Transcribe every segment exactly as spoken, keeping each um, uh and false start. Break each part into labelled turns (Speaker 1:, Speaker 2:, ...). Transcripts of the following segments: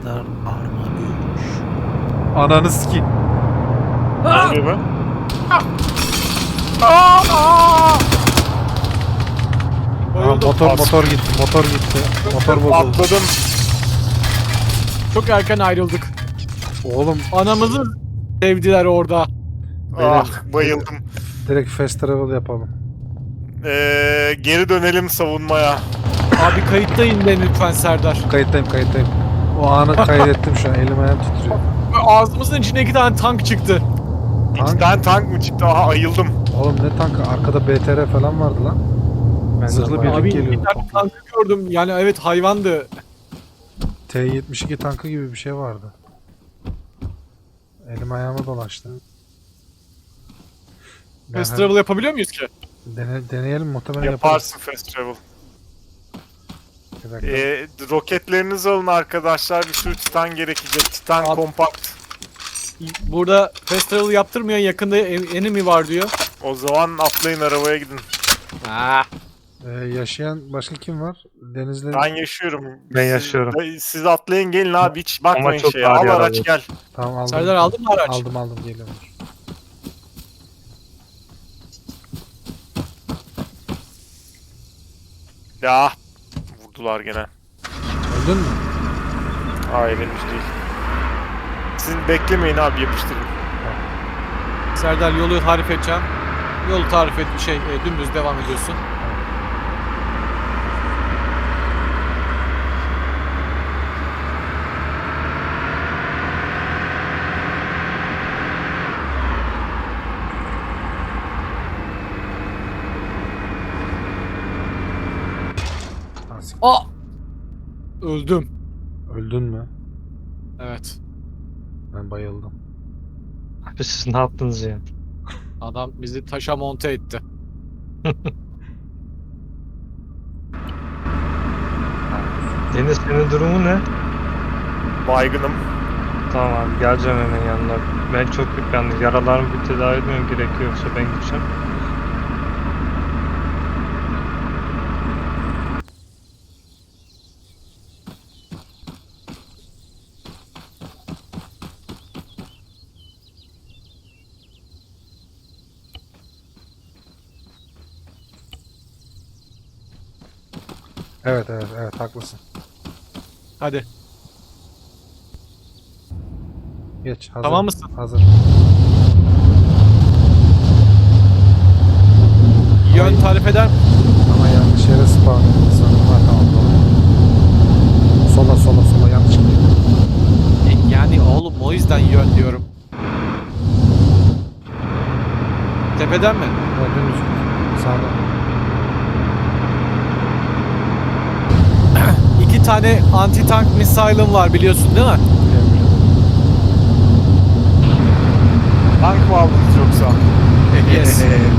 Speaker 1: Serdar Arma üç.
Speaker 2: Ananı sikeyim.
Speaker 3: Ne oluyor be?
Speaker 2: Aa, motor motor gitti. Motor gitti. Motor bozuldu.
Speaker 3: Atladım.
Speaker 4: Çok erken ayrıldık.
Speaker 2: Oğlum
Speaker 4: Anamızı sevdiler orada.
Speaker 3: Ah bayıldım.
Speaker 2: direkt fast travel yapalım.
Speaker 3: Ee, geri dönelim savunmaya.
Speaker 4: Abi kayıttayım ben lütfen Serdar.
Speaker 2: Kayıttayım kayıttayım. O anı kaydettim şu an. Elim ayağım titriyor.
Speaker 4: Ağzımızın içine iki tane tank çıktı.
Speaker 3: İki
Speaker 2: Tank?
Speaker 3: tane tank mı çıktı? Aha ayıldım.
Speaker 2: Oğlum ne tankı? Arkada B T R falan vardı lan. Zırhlı birlik
Speaker 4: Abi
Speaker 2: geliyordu.
Speaker 4: iki tane tankı gördüm. Yani evet hayvandı.
Speaker 2: T yetmiş iki tankı gibi bir şey vardı. Elim ayağıma dolaştı. Ben
Speaker 4: Fast
Speaker 2: hani-
Speaker 4: travel yapabiliyor muyuz ki?
Speaker 2: Dene, deneyelim muhtemelen yaparız.
Speaker 3: Yaparsın fast travel.
Speaker 2: Bir dakika.
Speaker 3: Ee, roketlerinizi alın arkadaşlar. Bir sürü titan gerekecek. Titan
Speaker 4: Al.
Speaker 3: kompakt.
Speaker 4: Burada fast travel yaptırmayan yakında en- enemy var diyor.
Speaker 3: O zaman atlayın arabaya gidin.
Speaker 4: Ah.
Speaker 2: Ee, yaşayan başka kim var? Denizli.
Speaker 3: Ben yaşıyorum.
Speaker 5: Ben
Speaker 3: Siz-
Speaker 5: yaşıyorum.
Speaker 3: Siz, siz atlayın gelin abi hiç bakmayın
Speaker 5: çok
Speaker 3: şeye.
Speaker 5: ağır
Speaker 3: Al
Speaker 5: yaralı.
Speaker 3: araç gel.
Speaker 2: Tamam aldım.
Speaker 4: Serdar aldın mı araç?
Speaker 2: Aldım aldım geliyorum.
Speaker 3: Ya vurdular gene.
Speaker 2: Öldün mü?
Speaker 3: Hayır henüz değil. Siz beklemeyin abi yapıştırın.
Speaker 4: Serdar yolu tarif edeceğim. Yolu tarif et şey e, dümdüz devam ediyorsun.
Speaker 2: Ha, sik-
Speaker 4: Aa! Öldüm.
Speaker 2: Öldün mü?
Speaker 4: Evet.
Speaker 2: Ben bayıldım.
Speaker 5: Abi siz ne yaptınız ya?
Speaker 4: Adam bizi taşa monte etti.
Speaker 5: Deniz senin durumu ne?
Speaker 3: Baygınım.
Speaker 5: Tamam abi geleceğim hemen yanına. Ben çok yalnız yaralarımı bir tedavi etmem gerekiyor yoksa ben gideceğim.
Speaker 2: Evet evet evet haklısın.
Speaker 4: Hadi.
Speaker 2: Geç hazır.
Speaker 4: Tamam mısın?
Speaker 2: Hazır.
Speaker 4: Yön tarif eder misin?
Speaker 2: Ama yanlış yere spawn edildi sanırım. Ha tamam doğru. Sola sola sola yanlış gidiyor.
Speaker 4: E, yani oğlum o yüzden yön diyorum. Tepeden mi?
Speaker 2: Ha, dümdüz git. Sağda.
Speaker 4: İki tane anti tank missile'ım var biliyorsun değil mi?
Speaker 2: Biliyorum, biliyorum.
Speaker 3: Tank mı aldınız yoksa?
Speaker 4: Yes.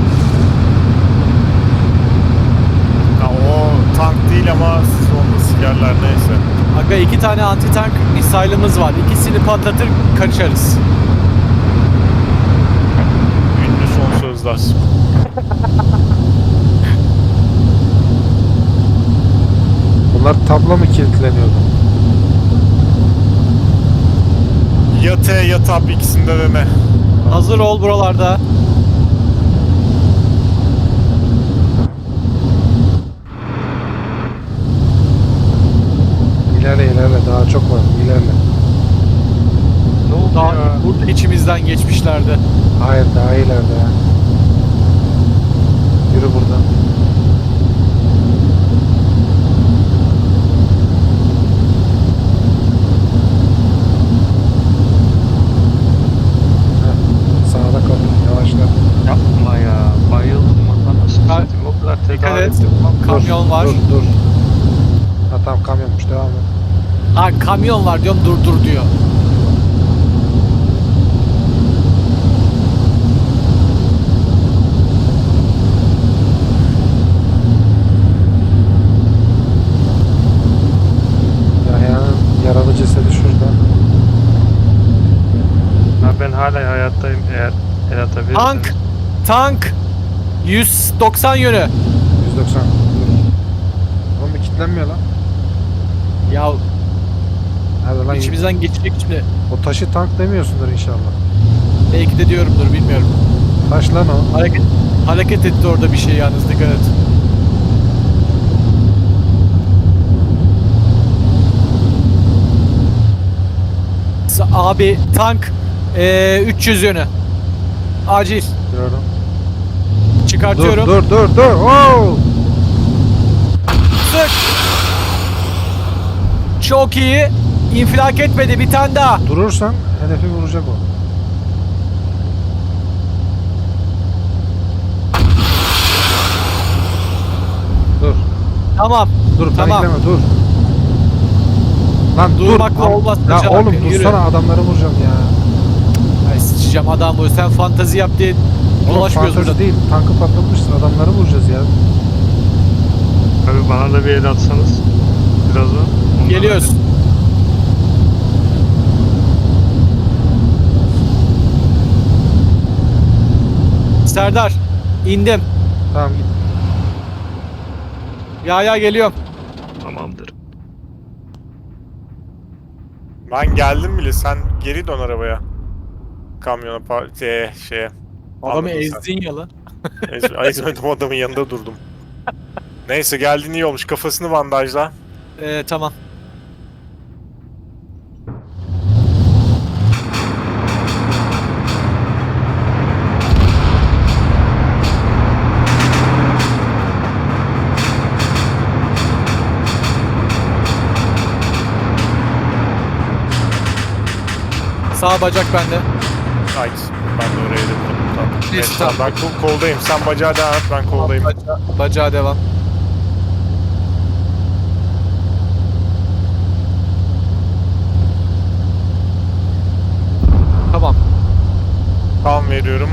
Speaker 3: Ha, o tank değil ama siz onu sikerler neyse.
Speaker 4: Aga iki tane anti tank missile'ımız var. İkisini patlatır kaçarız.
Speaker 3: Ünlü son sözler.
Speaker 2: Bunlar tablo mu kilitleniyordu?
Speaker 3: Ya T ya TAP ikisinde de ne?
Speaker 4: Hazır ol buralarda.
Speaker 2: İlerle ilerle daha çok var. İlerle.
Speaker 5: Ne oldu
Speaker 4: Daha
Speaker 5: ya?
Speaker 4: burada içimizden geçmişlerdi.
Speaker 2: Hayır daha ileride ya. Yürü buradan. Heh, sağda kalın. Yavaşla.
Speaker 5: Yapma ya. Bayıldım. Anasını
Speaker 4: Ha,
Speaker 5: satayım. O kadar
Speaker 4: Dikkat
Speaker 5: tedavi
Speaker 4: et.
Speaker 5: ettim.
Speaker 4: Kamyon
Speaker 2: dur,
Speaker 4: var.
Speaker 2: Dur dur. Ha tamam kamyonmuş devam et.
Speaker 4: Ha kamyon var diyorum dur dur diyor.
Speaker 2: Yahya'nın yaralı cesedi şurada.
Speaker 5: Ha, ben hala hayattayım eğer el atabilirseniz.
Speaker 4: Tank! Tank! yüz doksan yönü.
Speaker 2: yüz doksan. Dur. Oğlum bir kilitlenmiyor lan.
Speaker 4: Ya
Speaker 2: Hadi lan.
Speaker 4: İçimizden geçecek şimdi.
Speaker 2: O taşı tank demiyorsundur inşallah.
Speaker 4: Belki de diyorumdur bilmiyorum.
Speaker 2: Taş lan o.
Speaker 4: Hareket hareket etti orada bir şey yalnız dikkat et. Sa- Abi tank eee, üç yüz yönü. Acil.
Speaker 2: Diyorum. Dur
Speaker 4: Çıkartıyorum.
Speaker 2: dur dur dur. Oo!
Speaker 4: Sık. Çok iyi. İnfilak etmedi bir tane daha.
Speaker 2: Durursan hedefi vuracak o. Dur.
Speaker 4: Tamam.
Speaker 2: Dur
Speaker 4: Tamam.
Speaker 2: panikleme dur. Lan dur.
Speaker 4: Durmakla
Speaker 2: Am-
Speaker 4: olmaz
Speaker 2: Ya
Speaker 4: Hacı
Speaker 2: oğlum
Speaker 4: abi, yürü.
Speaker 2: dursana adamları vuracağım ya.
Speaker 4: Ay sıçacağım adam bu. Sen fantazi yap diye
Speaker 2: Oğlum
Speaker 4: dolaşmıyoruz
Speaker 2: fantezi
Speaker 4: burada.
Speaker 2: değil. Tankı patlatmışsın adamları vuracağız ya.
Speaker 5: Abi bana da bir el atsanız. Birazdan. Ondan
Speaker 4: Geliyoruz. Serdar indim.
Speaker 2: Tamam git.
Speaker 4: Ya ya geliyorum.
Speaker 5: hadi. Tamamdır.
Speaker 3: Ben geldim bile, sen geri dön arabaya. Kamyona, pa- şeye, şeye.
Speaker 4: Adamı
Speaker 3: Anladın sen.
Speaker 4: ezdin ya lan.
Speaker 3: Ez- Ay, ezmedim, adamın yanında durdum. Neyse geldin iyi olmuş, kafasını bandajla.
Speaker 4: Ee, tamam. Sağ bacak bende.
Speaker 3: Ay ben de oraya dedim. Tamam.
Speaker 4: Neyse,
Speaker 3: Neyse,
Speaker 4: tamam.
Speaker 3: ben kol- koldayım, sen bacağı devam et, ben koldayım.
Speaker 4: Baca, bacağa devam. Tamam.
Speaker 3: Tamam veriyorum.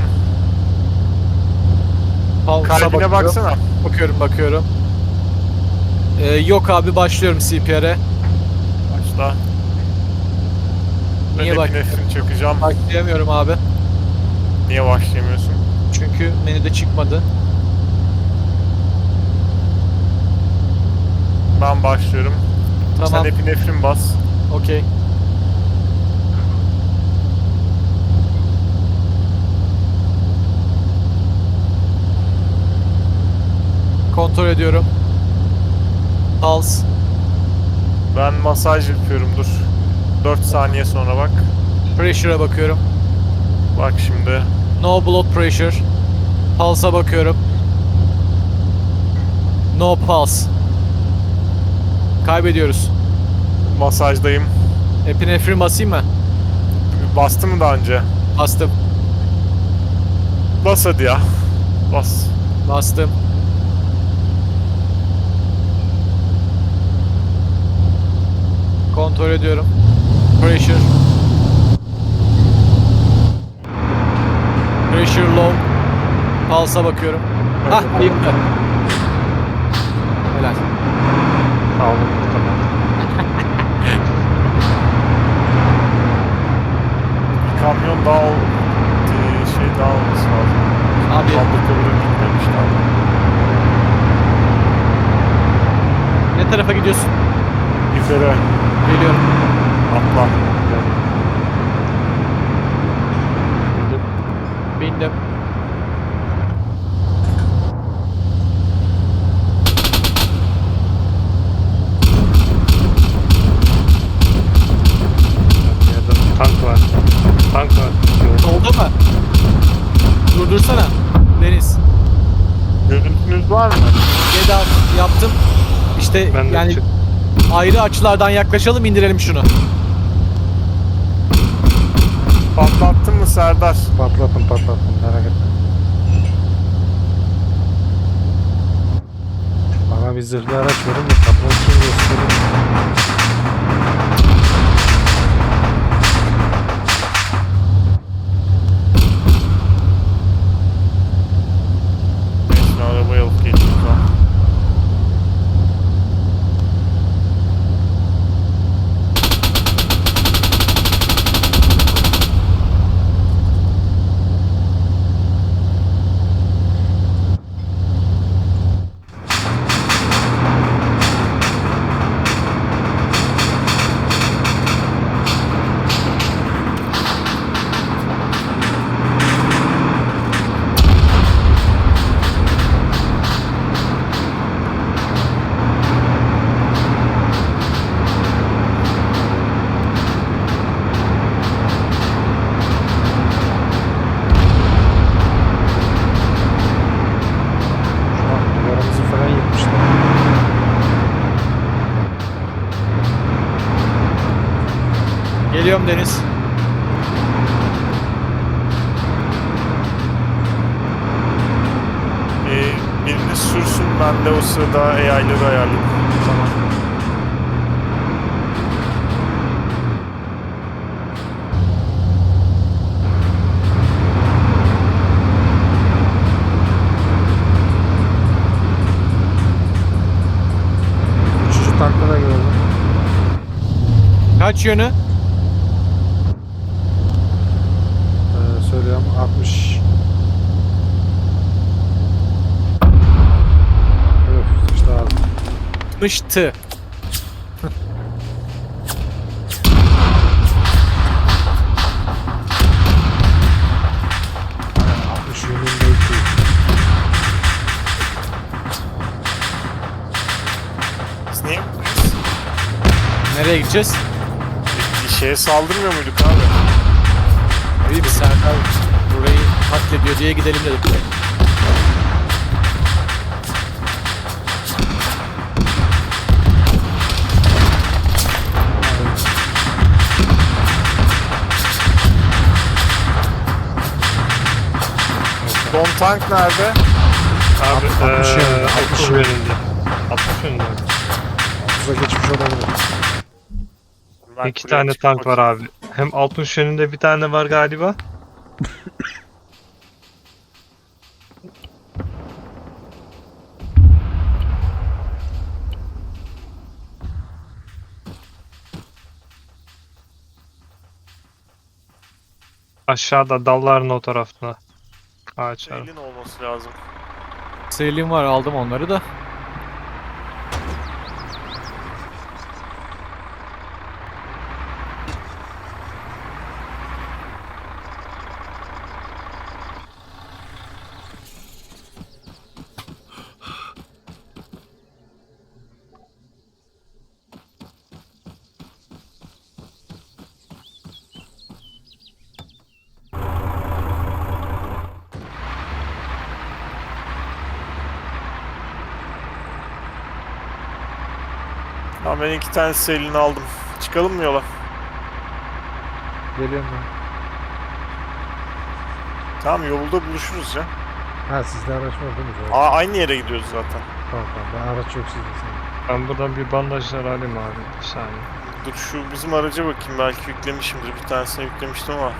Speaker 4: Pulse'a
Speaker 3: Kalbine
Speaker 4: bakıyorum.
Speaker 3: baksana.
Speaker 4: Bakıyorum bakıyorum. Ee, yok abi başlıyorum C P R'e.
Speaker 3: Başla.
Speaker 4: Niye
Speaker 3: Ben
Speaker 4: bak-
Speaker 3: epinefrin çakacağım.
Speaker 4: Başlayamıyorum abi.
Speaker 3: Niye başlayamıyorsun?
Speaker 4: Çünkü menüde çıkmadı.
Speaker 3: Ben başlıyorum.
Speaker 4: Tamam.
Speaker 3: Sen epinefrin bas.
Speaker 4: Okey. Kontrol ediyorum. Pulse.
Speaker 3: Ben masaj yapıyorum, dur. dört saniye sonra bak.
Speaker 4: Pressure'a bakıyorum.
Speaker 3: Bak şimdi.
Speaker 4: No blood pressure. Pulse'a bakıyorum. No pulse. Kaybediyoruz.
Speaker 3: Masajdayım.
Speaker 4: Epinefrin basayım mı?
Speaker 3: Bastı mı daha önce?
Speaker 4: Bastım.
Speaker 3: Bas hadi ya. Bas.
Speaker 4: Bastım. Kontrol ediyorum. Pressure. Pressure low. Pulse'a bakıyorum. Hah ayıktı. Helal.
Speaker 5: Sağ olun. Tamam.
Speaker 3: Bir kamyon daha ol... Ee, şey daha olması lazım.
Speaker 4: Abi
Speaker 3: Fabrikalara gitmemiş daha.
Speaker 4: ne tarafa gidiyorsun?
Speaker 3: Yukarı
Speaker 4: Geliyorum.
Speaker 3: atla.
Speaker 5: Şimdi
Speaker 4: Bindim.
Speaker 5: yerden tank var. Tank var. Yok.
Speaker 4: Solda mı? Durdursana. Deniz.
Speaker 3: Görüntünüz var mı?
Speaker 4: Geda yaptım. İşte
Speaker 5: Ben de
Speaker 4: yani
Speaker 5: çık-
Speaker 4: ayrı açılardan yaklaşalım indirelim şunu.
Speaker 3: Patlattın mı Serdar?
Speaker 2: Patlatın patlatın merak etme. Bana bir zırhlı araç verin de patlatın gösterin.
Speaker 3: Neyse arabayı alıp geçeyim ben.
Speaker 4: Geliyorum Deniz.
Speaker 3: Ee, birini sürsün, ben de o sırada A I'ları ayarlayayım.
Speaker 4: Tamam.
Speaker 2: Üçüncü tankta da gördüm.
Speaker 4: Kaç yönü?
Speaker 2: Ee, söylüyorum altmış. Öf işte abi.
Speaker 4: Mıştı.
Speaker 2: altmış yönünde iki.
Speaker 3: Biz niye
Speaker 4: Nereye gideceğiz?
Speaker 3: bir şeye saldırmıyor muyduk abi?
Speaker 4: İyi bir Serdar burayı katlediyor diye gidelim dedik.
Speaker 3: Don tank nerede?
Speaker 5: Abi
Speaker 2: altmış
Speaker 5: eee,
Speaker 2: yönünde, altmış
Speaker 5: altmış
Speaker 2: yönünde.
Speaker 5: yönünde. altmış yönünde.
Speaker 2: Altıza geçmiş olabilir.
Speaker 3: Ben
Speaker 5: İki
Speaker 3: kuleye
Speaker 5: tane
Speaker 3: çıkıp
Speaker 5: tank var
Speaker 3: bakayım.
Speaker 5: abi. Hem altmış yönünde bir tane var galiba. Aşağıda dalların o tarafına. Ağaçlar.
Speaker 3: Elin olması lazım.
Speaker 4: Selim var, aldım onları da.
Speaker 3: Tamam, ben iki tane selini aldım. Çıkalım mı yola?
Speaker 2: Geliyorum ben.
Speaker 3: Tamam, yolda buluşuruz ya.
Speaker 2: Ha sizde araç var değil mi? Doğru.
Speaker 3: Aa, aynı yere gidiyoruz zaten.
Speaker 2: Tamam tamam. Ben araç yok sizde. Sen.
Speaker 5: Ben buradan bir bandajlar alayım abi. Bir saniye.
Speaker 3: Dur şu bizim araca bakayım, belki yüklemişimdir. Bir tanesini yüklemiştim ama.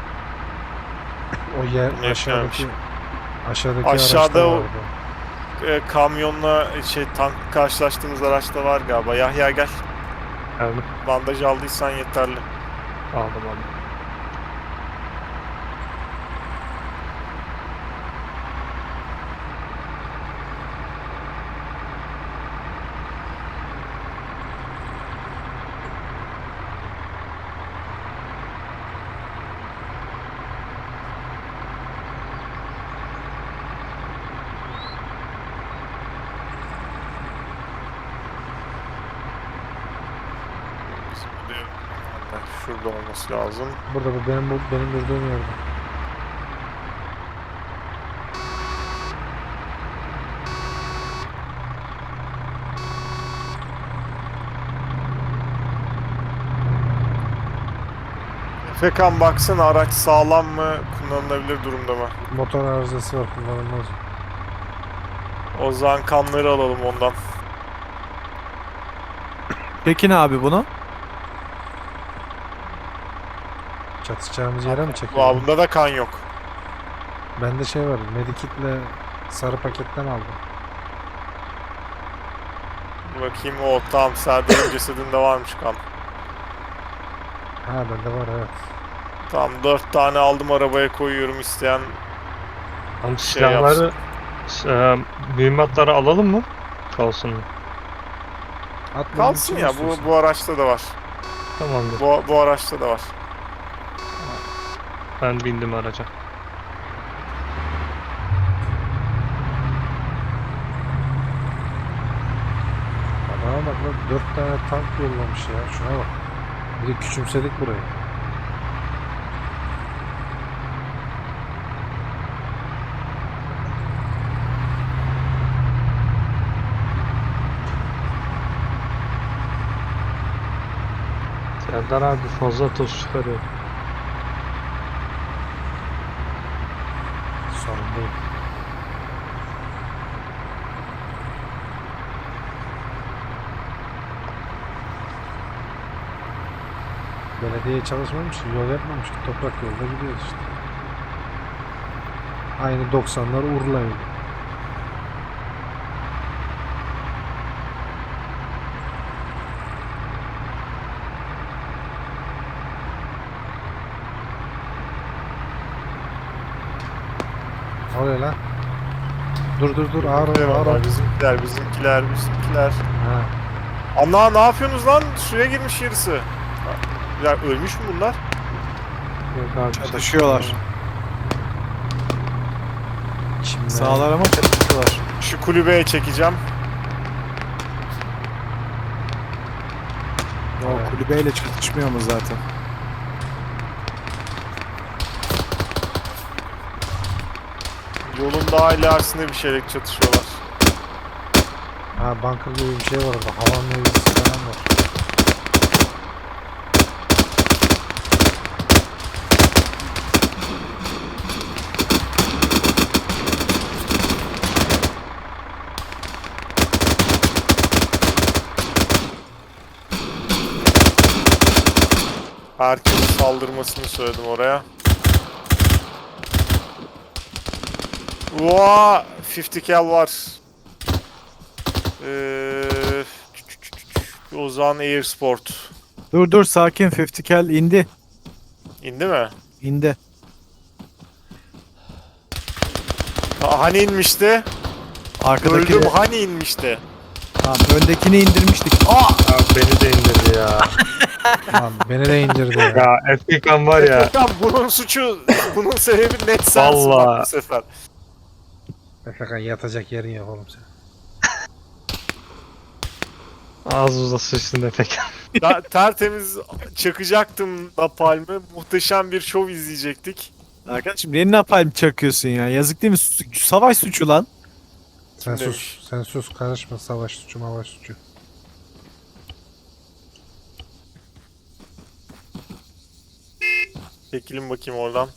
Speaker 2: O yer
Speaker 3: Ne
Speaker 2: aşağıdaki
Speaker 3: yapmış?
Speaker 2: aşağıdaki
Speaker 3: Aşağıda
Speaker 2: araçta
Speaker 3: o-
Speaker 2: vardı.
Speaker 3: E, kamyonla şey tank karşılaştığımız araçta var galiba. Yahya gel.
Speaker 5: Geldim.
Speaker 3: Bandaj aldıysan yeterli.
Speaker 5: Aldım aldım.
Speaker 3: Bizim bir de- Şurada olması lazım.
Speaker 2: Burada bu benim bu benim durduğum yerde.
Speaker 3: Fekan baksana, araç sağlam mı, kullanılabilir durumda mı?
Speaker 2: Motor arızası var, kullanılmaz.
Speaker 3: O zaman kanları alalım ondan.
Speaker 4: Peki ne abi bunu?
Speaker 2: Çatışacağımız yere mi
Speaker 3: Vaa,
Speaker 2: çekelim?
Speaker 3: bunda da kan yok.
Speaker 2: Bende şey var, Medikit'le sarı paketten aldım.
Speaker 3: Bakayım, o tamam, Serdar'ın cesedinde varmış kan.
Speaker 2: Ha bende var evet.
Speaker 3: Tamam, dört tane aldım, arabaya koyuyorum, isteyen
Speaker 5: Tam
Speaker 3: Şey
Speaker 5: silahları, eee, mühimmatları alalım mı? Kalsın mı?
Speaker 2: Atmanın
Speaker 3: kalsın
Speaker 2: içine
Speaker 3: ya,
Speaker 2: istiyorsan.
Speaker 3: bu bu araçta da var.
Speaker 5: Tamamdır.
Speaker 3: Bu, bu araçta da var.
Speaker 5: Ben bindim araca.
Speaker 2: Adama bak lan, dört tane tank yollamış ya, şuna bak. Bir de küçümsedik burayı.
Speaker 5: Serdar Serdar abi fazla toz çıkarıyor.
Speaker 2: Sorun değil. Belediye çalışmamış ki, yol yapmamış ki, toprak yolda gidiyoruz işte. Aynı doksanlar Urla yolu. Ne oluyor lan? Dur dur dur, ağır ol, ağır ol.
Speaker 3: Bizimkiler, bizimkiler, bizimkiler.
Speaker 2: Ha.
Speaker 3: Ana ne yapıyorsunuz lan? Suya girmiş yarısı. Ya ölmüş mü bunlar?
Speaker 5: Yok abi.
Speaker 4: Çatışıyorlar.
Speaker 2: Şimdi
Speaker 4: Sağlar ama çatışıyorlar.
Speaker 3: Şu kulübeye çekeceğim.
Speaker 4: Ya o kulübeyle çatışmıyor mu zaten?
Speaker 3: Yolun daha ilerisinde bir şeyle çatışıyorlar.
Speaker 2: Ha, bunker gibi bir şey var orada. Havan mevzisi falan var.
Speaker 3: Herkesin saldırmasını söyledim oraya. Vaa! elli cal var. Ee, Ozan Air Sport.
Speaker 4: Dur dur sakin, elli cal indi.
Speaker 3: İndi mi?
Speaker 4: İndi.
Speaker 3: Ha, hani inmişti?
Speaker 4: Arkadaki
Speaker 3: Öldüm hani inmişti?
Speaker 4: Tamam, öndekini indirmiştik. Aa!
Speaker 5: Abi beni de indirdi ya.
Speaker 2: Lan beni de indirdi ya.
Speaker 5: Ya Efekan var ya.
Speaker 3: Efekan bunun suçu, bunun sebebi net sensin
Speaker 5: Vallahi.
Speaker 3: bak bu sefer.
Speaker 2: Efekan yatacak yerin yok oğlum sen.
Speaker 5: Ağzımıza sıçtın Efekan.
Speaker 3: Ta- tertemiz çakacaktım napalmi. Muhteşem bir şov izleyecektik.
Speaker 4: Arkadaşım niye napalm çakıyorsun ya? Yazık değil mi? Su- Savaş suçu lan.
Speaker 2: Sen
Speaker 3: Kim
Speaker 2: sus,
Speaker 3: demiş?
Speaker 2: sen sus, karışma, savaş suçu mavaş suçu.
Speaker 3: Çekilin bakayım oradan.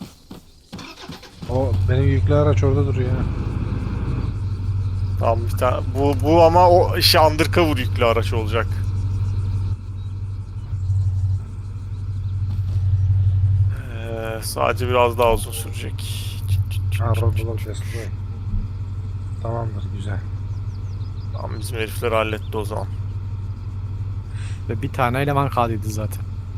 Speaker 2: O benim yüklü araç orada duruyor ya.
Speaker 3: Tamam bir tane. Bu, bu ama o şey undercover yüklü araç olacak. Ee, sadece biraz daha uzun sürecek.
Speaker 2: Ha, Roadblock Destroy. Tamamdır, güzel.
Speaker 3: Tamam bizim herifler halletti o zaman.
Speaker 4: Ve bir tane eleman kaldıydı zaten.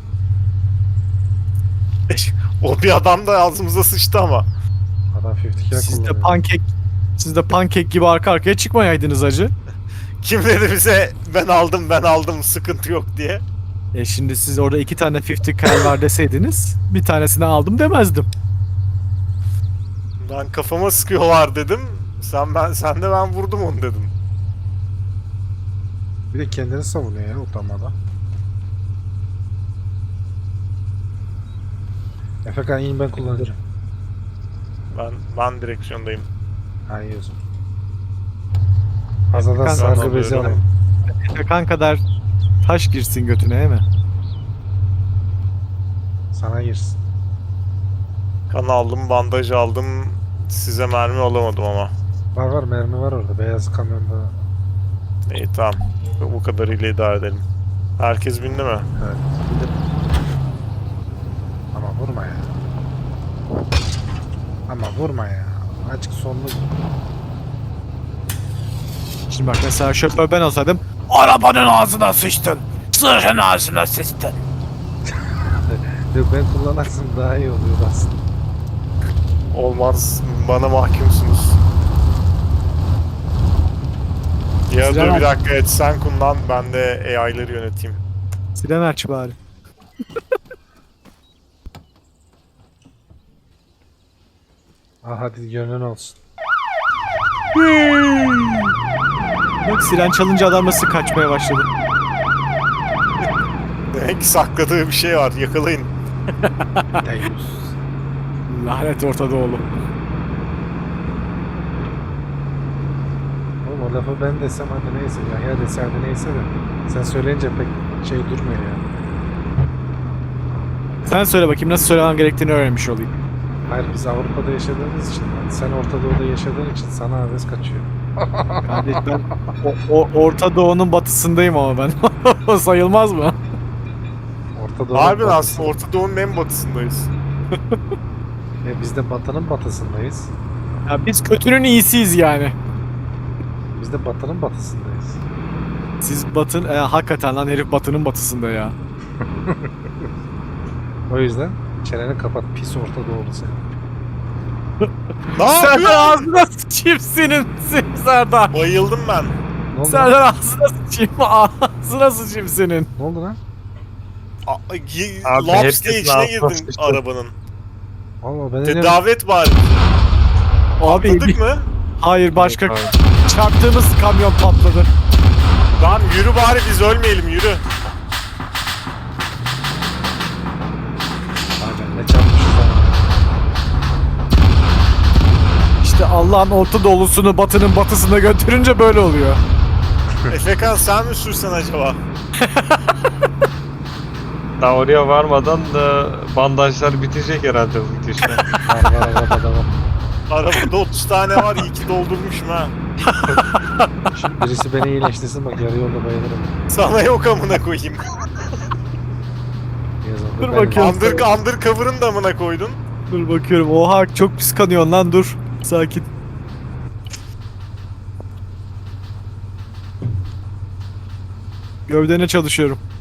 Speaker 3: O bir adam da ağzımıza sıçtı ama.
Speaker 2: Adam elli kere
Speaker 4: Siz de
Speaker 2: kullanıyor.
Speaker 4: pankek Siz de pankek gibi arka arkaya çıkmayaydınız acı.
Speaker 3: Kim dedi bize ben aldım ben aldım sıkıntı yok diye.
Speaker 4: E şimdi siz orada iki tane elli cal var deseydiniz bir tanesini aldım demezdim.
Speaker 3: Ben kafama sıkıyorlar dedim. Sen ben sen de ben vurdum onu dedim.
Speaker 2: Bir de kendini savunuyor ya utanmadan. Efekan in, ben kullanacağım.
Speaker 3: Ben ben direksiyondayım.
Speaker 2: Ha, iyi o zaman. Fazladan
Speaker 4: Efekan
Speaker 2: sargı
Speaker 3: alıyorum.
Speaker 2: bezi alayım.
Speaker 4: Efekan kadar taş girsin götüne değil mi?
Speaker 2: Sana girsin.
Speaker 3: Kan aldım, bandaj aldım. Size mermi alamadım ama.
Speaker 2: Var var, mermi var orada. Beyaz kamyonda.
Speaker 3: İyi tamam. Bu kadarıyla idare edelim. Herkes bindi mi?
Speaker 2: Evet. Ama vurma ya. Ama vurma ya. Açık sonlu.
Speaker 4: Şimdi bak mesela şoför ben olsaydım arabanın ağzına sıçtın. Sırrın ağzına sıçtın.
Speaker 2: Yok, ben kullanarsam daha iyi oluyor aslında.
Speaker 3: Olmaz. Bana mahkumsunuz. Ya
Speaker 4: Sinan
Speaker 3: dur
Speaker 4: abi.
Speaker 3: bir dakika et sen kullan ben de A I'ları yöneteyim.
Speaker 4: Siren aç bari.
Speaker 2: Ah, hadi gönlün olsun.
Speaker 4: Bak siren çalınca adam nasıl kaçmaya başladı.
Speaker 3: Demek ki sakladığı bir şey var. Yakalayın.
Speaker 2: Deyyus.
Speaker 4: Lanet Orta Doğulu.
Speaker 2: Oğlum o lafı ben desem hadi neyse. Yahya dese hadi neyse de. Sen söyleyince pek şey durmuyor ya.
Speaker 4: Sen söyle bakayım nasıl söylemem gerektiğini öğrenmiş olayım.
Speaker 2: Hayır biz Avrupa'da yaşadığımız için, yani sen Orta Doğu'da yaşadığın için sana heves kaçıyor.
Speaker 4: Kardeş ben o, o- Orta Doğu'nun batısındayım ama ben. O sayılmaz mı?
Speaker 2: Orta Doğu'nun
Speaker 3: Harbiden
Speaker 2: batısı.
Speaker 3: aslında Orta Doğu'nun en batısındayız.
Speaker 2: E, biz de batının batısındayız.
Speaker 4: Ya biz kötünün iyisiyiz yani.
Speaker 2: Biz de batının batısındayız.
Speaker 4: Siz batın, e, hakikaten lan herif batının batısında ya.
Speaker 2: O yüzden çeneni kapat pis Orta Doğulu sen.
Speaker 3: Ne
Speaker 4: Serdar
Speaker 3: yapıyorsun?
Speaker 4: ağzına sıçayım senin Serdar.
Speaker 3: Bayıldım ben.
Speaker 2: Ne oldu lan?
Speaker 4: Serdar ağzına sıçayım, ağzına sıçayım senin.
Speaker 2: Ne oldu lan?
Speaker 3: A- y-
Speaker 5: Abi
Speaker 3: Laps
Speaker 5: herkesin
Speaker 3: diye içine
Speaker 5: ağzına
Speaker 3: girdim
Speaker 5: sıçtı.
Speaker 3: arabanın.
Speaker 2: Allah ben de
Speaker 3: Tedavi et bari.
Speaker 4: Abi
Speaker 3: Atladık
Speaker 4: bir-
Speaker 3: mı?
Speaker 4: hayır başka
Speaker 5: Abi.
Speaker 4: çarptığımız kamyon patladı.
Speaker 3: Lan yürü bari biz ölmeyelim yürü.
Speaker 2: Aynen ne çarpmışız lan.
Speaker 4: İşte Allah'ın Orta Doğu'sunu batının batısına götürünce böyle oluyor.
Speaker 3: Efekan sen mi sürsen acaba?
Speaker 5: Daha oraya varmadan da bandajlar bitecek herhalde bu gidişle.
Speaker 2: Var var arabada da var.
Speaker 3: Arabada otuz tane var iyi ki doldurmuşum ha.
Speaker 2: Şimdi birisi beni iyileştirsin bak yarı yolda bayılırım.
Speaker 3: Sana yok amına koyayım.
Speaker 2: Yazın.
Speaker 4: Dur bakayım.
Speaker 3: Under, undercover'ın da amına koydun.
Speaker 4: Dur bakıyorum. Oha çok pis kanıyorsun lan dur. Sakin. Gövdene çalışıyorum.